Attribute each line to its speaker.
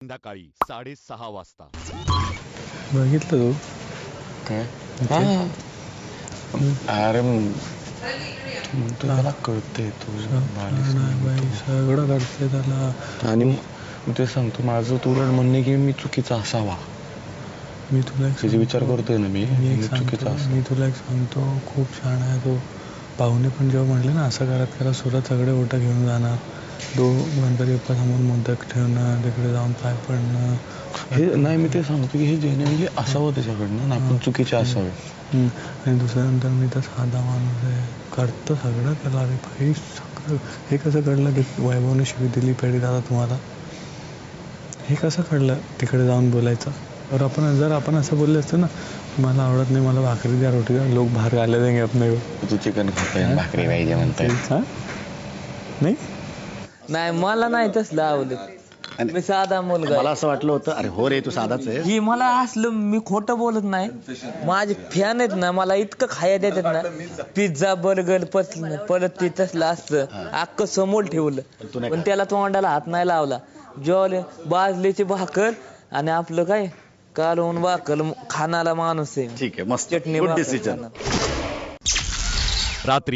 Speaker 1: संध्याकाळी 6:30 वाजता.
Speaker 2: बघितलं तू
Speaker 3: काय? अरे तुला कळते तू
Speaker 2: बाई सगळं करते त्याला.
Speaker 3: आणि मी ते सांगतो माझं तुला म्हणणे की मी चुकीचा असावा.
Speaker 2: मी तुला
Speaker 3: त्याचे विचार करतोय ना मी चुकीचा असावा.
Speaker 2: मी तुला एक सांगतो, खूप छान आहे तो. पाहुणे पण जेव्हा म्हणले ना असं करत करा सुरत सगळे ओटा घेऊन जाणार, गणपती बाप्पा समोर मोदक ठेवणं, तिकडे जाऊन पाय पडणं,
Speaker 3: हे नाही मी ते सांगतो की हे जेन्युइनली असावं त्याच्याकडनं ना, आपण चुकीचे असावे.
Speaker 2: आणि दुसऱ्यानंतर मी तर साधा माणूस आहे, करतो सगळं त्याला. अरे भाई सगळं हे कसं कळलं की वैभवने शिवी दिली पेढी दादा तुम्हाला? हे कसं कळलं तिकडे जाऊन बोलायचं? जर आपण असं बोलले असतं ना, मला आवडत नाही, मला भाकरी द्या, रोटी द्या, लोक बाहेर गाले देंगे अपने को.
Speaker 3: तू चिकन खातोय भाकरी पाहिजे म्हणतोय.
Speaker 2: नाही
Speaker 4: नाही मला नाही तसलं आवडत. मी साधा मुलगा.
Speaker 5: मला असं वाटलं होतं अरे हो रे तू साधाच आहे.
Speaker 4: ही मला असलं मी खोटं बोलत नाही. माझे फॅन आहेत ना, मला इतकं खाया देतात ना, पिझ्झा बर्गर परत ते तसलं असतं अख्खं समोर ठेवलं पण त्याला तोंडाला हात नाही लावला. जेवले बाजलीची भाकर आणि आपलं काय कालवून भाकर खाणारा माणूस आहे.
Speaker 5: ठीक आहे मस्त
Speaker 4: चटणी
Speaker 5: गुड
Speaker 4: भाकर
Speaker 5: डिसिजन.
Speaker 4: खाणार.
Speaker 1: रात्री